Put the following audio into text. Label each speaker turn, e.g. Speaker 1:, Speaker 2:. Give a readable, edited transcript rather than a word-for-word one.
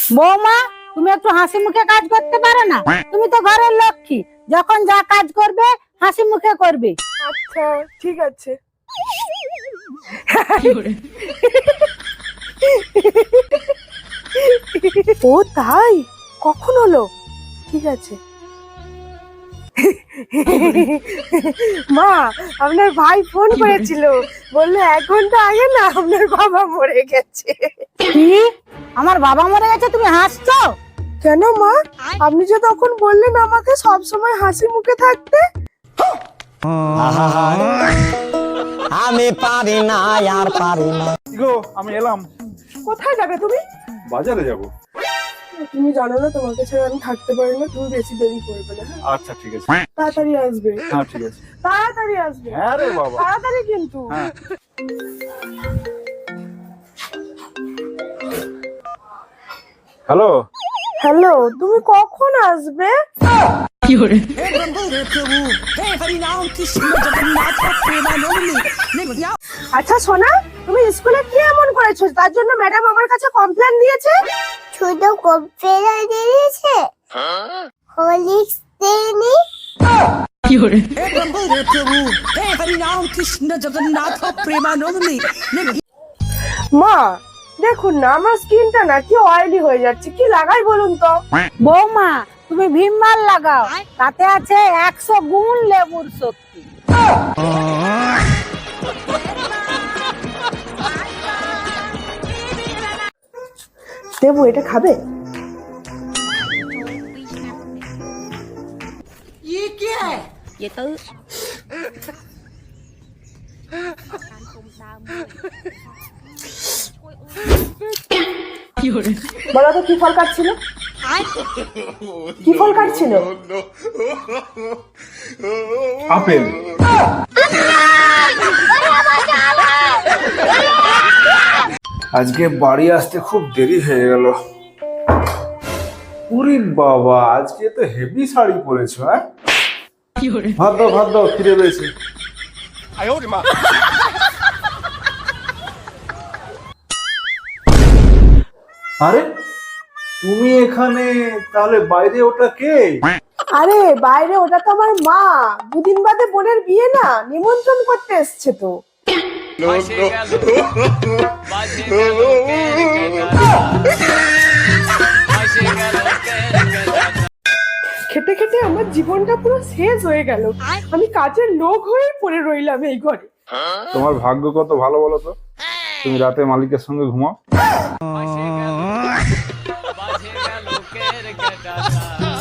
Speaker 1: বৌমা, তুমি একটু হাসি মুখে কাজ করতে পারো না? তুমি তো ঘরের লক্ষ্মী, যখন যা কাজ করবে হাসি মুখে করবে।
Speaker 2: আচ্ছা ঠিক আছে। ও তাই, কখন হলো? ঠিক আছে। মা, আপনার ভাই ফোন করেছিল, বললো 1 ঘন্টা আগে না আপনার বাবা মরে গেছে।
Speaker 1: কি? আমার বাবা মরে গেছে? তুমি হাসছো
Speaker 2: কেন মা? আপনি যে তখন বললেন আমাকে সব সময় হাসি মুখে থাকতে।
Speaker 3: আমি পারি না আর পারি না।
Speaker 4: গো, আমি এলাম।
Speaker 2: কোথায় যাবে তুমি?
Speaker 4: বাজারে যাব।
Speaker 2: তুমি জানো না তোমাকে ছাড়া আমি থাকতে পারি না, তুমি বেশি দেরি করবে না।
Speaker 4: আচ্ছা ঠিক আছে।
Speaker 2: তাড়াতাড়ি আসবে।
Speaker 4: হ্যাঁ ঠিক আছে।
Speaker 2: তাড়াতাড়ি আসবে।
Speaker 4: হ্যাঁ রে বাবা।
Speaker 2: তাড়াতাড়ি কিন্তু।
Speaker 4: হ্যাঁ। হ্যালো।
Speaker 2: হ্যালো, তুমি কখন আসবে? আচ্ছা সোনা, তুমি স্কুলে কি এমন করেছো তার জন্য ম্যাডাম আমার কাছে কমপ্লেন দিয়েছে?
Speaker 5: শুধু কম্পিউটার দিয়েছে, হলিক্স দেয়নি।
Speaker 2: মা দেখুন না, আমার স্কিনটা না কি অয়েলি হয়ে যাচ্ছে, কি লাগাই বলুন তো?
Speaker 1: বৌমা, তুমি ভীমবার লাগাও, তাতে আছে 100 গুণ লেবুর শক্তি।
Speaker 2: দেবু, এটা খাবে? বলো তো কি ফল কাটছিল? কি ফল কাটছিল?
Speaker 4: আপেল। আজকে বাড়ি আসতে খুব দেরি হয়ে গেল। উরি বাবা, আজকে তো হেভি শাড়ি পরেছো। হ্যাঁ, ভাত দাও ভাত দাও, খিদে পেয়েছে। আরে তুমি এখানে, তাহলে বাইরে ওটা কে?
Speaker 2: আরে বাইরে ওটা তো আমার মা, দুদিন বাদে বোনের বিয়ে না, নিমন্ত্রণ করতে এসছে তো। খেতে খেতে আমার জীবনটা পুরো শেষ হয়ে গেল, আমি কাজের লোক হয়ে পড়ে রইলাম এই ঘরে।
Speaker 4: তোমার ভাগ্য কত ভালো বলো তো, তুমি রাতে মালিকের সঙ্গে ঘুমাও।